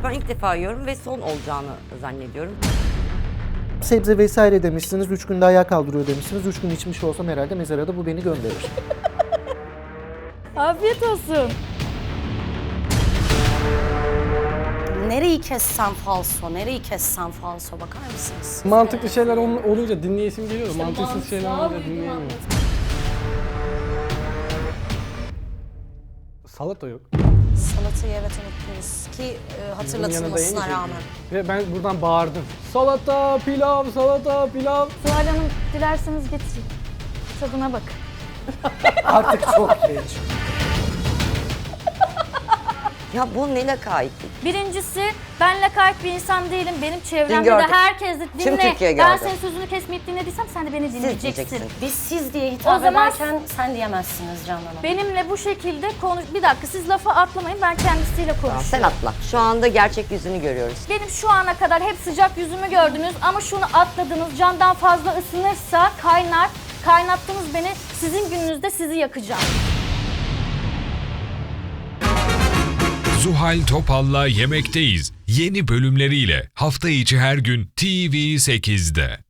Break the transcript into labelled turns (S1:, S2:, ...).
S1: Ben ilk defa yiyorum ve son olacağını zannediyorum.
S2: Sebze vesaire demişsiniz, 3 günde ayağa kaldırıyor demişsiniz. 3 gün içmiş olsam herhalde mezara da bu beni gönderir.
S3: Afiyet olsun.
S4: Nereyi kessem falso, nereyi kessem falso bakar mısınız?
S5: Mantıklı şeyler olunca dinleyesim geliyor da mantıksız şeyler olunca dinleyemiyorum. Salata yok.
S4: Salatayı evet unuttunuz ki hatırlatılmasına rağmen.
S5: Ve ben buradan bağırdım. Salata, pilav, salata, pilav.
S3: Zuhal Hanım dilerseniz getireyim. Tadına bak.
S2: Artık çok geç.
S1: Ya bu ne lakaytlık?
S3: Birincisi ben lakayt bir insan değilim. Benim çevremde
S1: gördük.
S3: de herkes de
S1: Tüm
S3: dinle.
S1: Türkiye
S3: Ben
S1: gördü.
S3: senin sözünü kesmeyip dinlediysem sen de beni
S1: Siz
S3: dinleyeceksin.
S1: diyeceksin.
S4: Biz siz diye hitap
S3: O zaman-
S4: ederken sen diyemezsiniz Canan Hanım.
S3: Benimle bu şekilde konuş... Bir dakika siz lafı atlamayın, ben kendisiyle konuşuyorum.
S1: Sen atla. Şu anda gerçek yüzünü görüyoruz.
S3: Benim şu ana kadar hep sıcak yüzümü gördünüz ama şunu atladınız. Candan fazla ısınırsa kaynar. Kaynattınız beni. Sizin gününüzde sizi yakacağım.
S6: Zuhal Topal'la Yemekteyiz yeni bölümleriyle hafta içi her gün TV8'de.